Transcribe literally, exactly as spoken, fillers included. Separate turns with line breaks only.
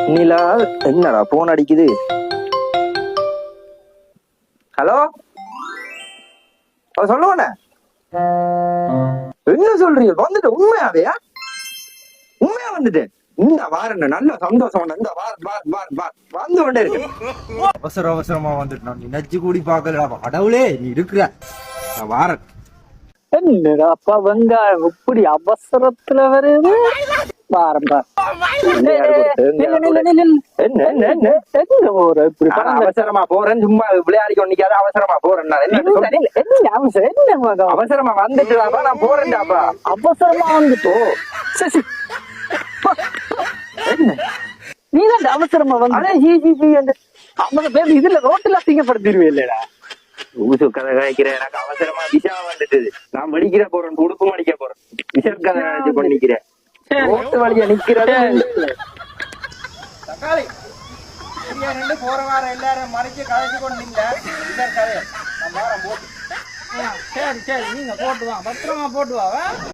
நிலா என்னடா போன் அடிக்குது. ஹலோ சொல்லுவானே என்ன சொல்றீங்க? வந்துட்டு உண்மையாவையா? உண்மையா வந்துட்டு இந்த வாரம் நல்ல சந்தோஷம் இந்த வந்து கொண்டே இருக்கு.
அவசர அவசரமா வந்துட்டு நீ நச்சு கூடி பாக்கலடா. கடவுளே நீ இருக்கிற வாரன்
என்னடா அப்பா வெங்காயம் இப்படி அவசரத்துல வருது.
அவசரமா போறேன் சும்மா விளையாடி கொண்டிக்காத. அவசரமா போறேன் அவசரமா வந்துட்டுதாப்பா நான் போறேன்டாப்பா.
அவசரமா வந்துட்டோ நீதான் அவசரமா வந்து பேர் இதுல ரோட்டுல அசிங்கப்படுத்திடுவே இல்லடா.
ஊசு கதை காய்க்கிறேன். எனக்கு அவசரமா விஷா வந்துட்டு நான் வெடிக்கிற போறேன். உடுப்பு மடிக்க போறேன். விஷர் கதை நினைச்சு பண்ணிக்கிறேன். ரோட்டு வழியா நிக்கிறது
தக்காளி ரெண்டு போற வாரம் எல்லாரும் மறைச்சு கதைச்சு கொண்டு கதையை போட்டு. சரி சரி நீங்க போட்டுவா பத்திரமா போட்டுவா.